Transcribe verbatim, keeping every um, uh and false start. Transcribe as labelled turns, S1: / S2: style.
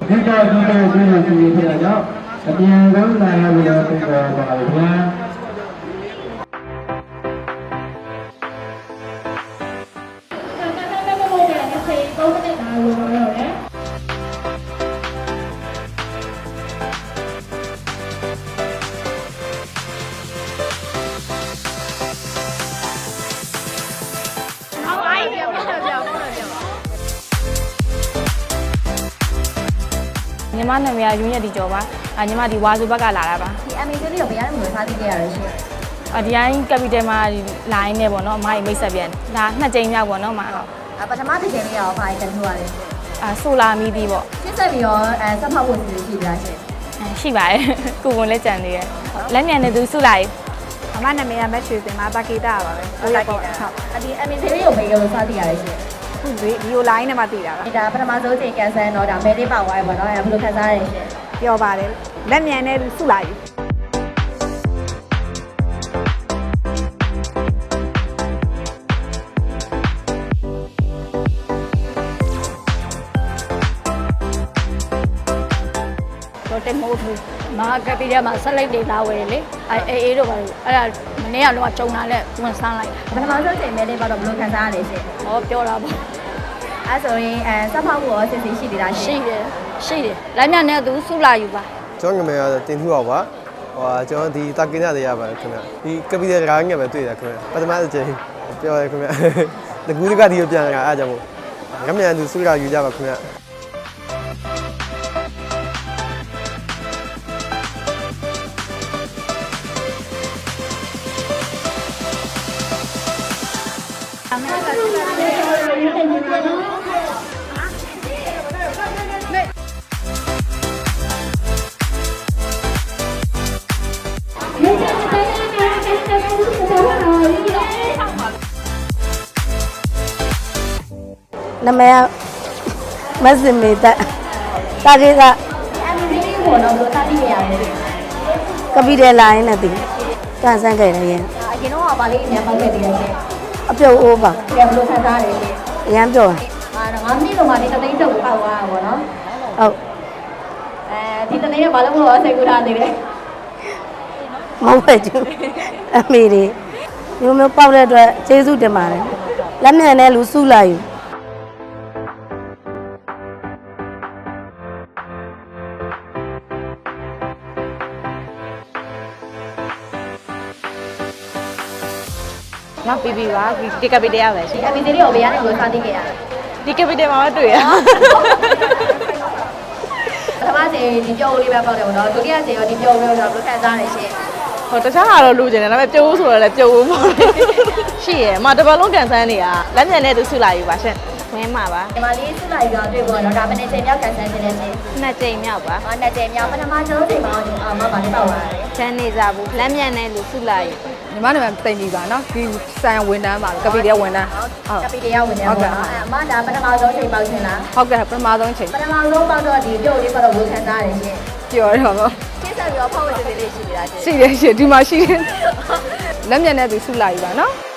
S1: ဒီကဒီကဒီလိုစီးပြရတော့အပြန်ဆုံးလာရလို့ပြောပါပါဗျာ
S2: ညီမနာမည်ကယူညက်ဒီကျော်ပါအညီမဒီဝါစုဘက်ကလာတာပါ
S3: ဒီ အမ် အေ စီ လေးကိုဘယ်ရမ်းလို့ထားသိခဲ့ရလဲရှင်
S2: အဒီတိုင်းကပီတယ်မှာလိုင်းနဲ့ပေါ့နော်အမကြီးမိတ်ဆက်ပြန်ဒါနှစ်ကြိမ်မြောက်ပေါ့နော်မဟုတ်
S3: အပထမတစ်ကြိမ်လေးရောဘာကြီးတလို့ရလဲရှင်
S2: အာဆိုလာမီဒီပေါ့
S3: ရှင်းဆက်ပြီးတော့အဲဆက်ဖောက်ဖို့စီစဉ်ရှိလားရှင်
S2: ရှိပါတယ်ကိုဝန်လည်းကြံသေးတယ်လက်မြန်နေသူစုလိုက်
S4: အမနာမည်ကမက်ချွေတင်ပါတာကေတာပါပဲ
S3: ဟုတ်ကဲ့ဟုတ်ဒီ အမ် အေ စီ လေးကိုဘယ်လိုစသိရလဲရှင်
S4: ဒီဗီဒီယိုလိုင်းနဲ့မှသိတာပါ
S3: ဒါပထမဆုံးချိန်ကန်ဆယ်တော့ဒါမဲလေးပါသွားရပါတော့အဲဘယ်လိုခံစားရလဲရှင်
S4: ပြောပါတယ်လက်မြန်နဲ့စုလာယူ
S5: တော့တက်မို့ဘူးမာကပီထဲမှာဆက်လိုက်တွေလာဝယ်လေအဲအေးအေးတို့ပါလို့အဲ့ဒါမနေ့ကတော့ကြုံလာတဲ့ဝန်ဆန်းလိုက်
S3: ပထမဆုံးချိန်မဲလေးပါတော့ဘယ်လိုခံစားရလဲရှင်
S5: ဟောပြောတာပေါ့
S3: အဲဆိုရင်အဲဆက်ဖောက်ဖို့ရောစီစဉ်ရှိသေးလား
S5: ရှိတယ်ရှိတယ်လက်မြနဲ့သူစုလာယူပါ
S6: ကျွန်တော်ငယ်ငယ်တင်ထူပါပါဟိုကျွန်တော်ဒီတာကင်းရတဲ့ရပါတယ်ခင်ဗျဒီကပီတဲ့ကားငယ်ပဲတွေ့တယ်ခင်ဗျပထမတစ်ချိန်ပြောရခင်ဗျတကူးတကဒီကိုပြန်လာအားကြောင့်မို့ငမြန်သူစုလာယူကြပါခင်ဗျ
S7: နာမည်မစင်မေတ္တာတာကေက
S3: အမ် အေ စီ လေးကိုတော့ဘယ်လိုစသိခဲ့ရလဲ
S7: ကပီတယ်လိုင်းနဲ့တည်ကန်ဆန်းခဲ့တယ်ရင်
S3: အရင်တော့ဗာလေးအများပေါက်ခဲ့သေးတယ်ရှင်
S7: အပြုတ်အိုးပါ
S3: ဘယ်လိုခံစားရလဲရှင်
S7: အရန်ပြောတာ
S3: အာငါးမိနစ်တော့မှဒီတသိန်းတုပ်ကိုပောက်သွားတာပေါ့နော်
S7: ဟုတ်
S3: အဲဒီတသိန်းကဘာလို့မလို့စိတ်ကူးထားသေးလဲ
S7: မဟုတ်ပဲကျအမေတွေမျိုးမျိုးပေါက်တဲ့အတွက်ကျေးဇူးတင်ပါတယ်လက်မြန်နဲ့လူစုလာယူ
S2: မပီပီပါဒီကပီတယ်ရပဲ
S3: ဒီ အမ် အေ စီ လေးကိုဘယ်ရမ်းလို့စသိခဲ့ရလဲ
S2: ဒီကပီတယ်မှာတွေ့ရ
S3: ပထမချိန်ဒီပြောလေးပဲပေါက်တယ်ပေါ့နော်ဒုတိယချိန်ရောဒီပြောလေးတော့ဘယ်လိုခံစားရလဲရှင်
S2: ဟိုတခြားဟာတော့လူကျင်တယ်ဒါပေမဲ့ပြုတ်ဆိုတော့လည်းပြုတ်ဘူးပေါ့ရှိရမတပတ်လုံးကန်ဆန်းနေတာလက်မြန်နဲ့သူစုလာယူပါရှင်ဝင်းမှာပါ
S3: ဒီမှာလေးစုလာယူတော့တွေ့ပေါ့နော်ဒါမနေ့ချိန်မြောက်ကန်ဆန်းခြင်းနဲ့ရှင်
S2: နှစ်ကြိမ်မြောက်ပါ
S3: ဟောနှစ်ကြိမ်မြောက်ပထမဆုံးချိန်မှာအာမပါလေးပေါက်လာတယ်
S2: ချမ်းနေကြဘူးလက်မြန်နဲ့လူစုလာယူ
S4: ညီမနာမည်တိမ်ပြီပါနော်ဒီဆိုင်ဝန်တန်းပါကပီတဲ့ဝန်တန်း
S3: ဟုတ်ကပီတဲ့ဝန်တန်းပေါ့နော်အမဒါပထမဆုံးချိန်ပေါက်ရှင်လား
S4: ဟုတ်ကဲ့ပထမဆုံးချိန်
S3: ပထမဆုံးပေါက်တော့ဒီပြုတ်လေးပေါ့တော့ဝေခံစားရတယ်ရှင်
S4: ပြောရတော့
S3: ရှင်းဆက်ပြီးတော့ဖောက်ဝဲစစ်လေးလေးရှိနေတာရှင်
S4: ရှိတယ်ရှင်ဒီမှာရှိတယ်လက်မြန်နဲ့သူစုလာယူပါနော်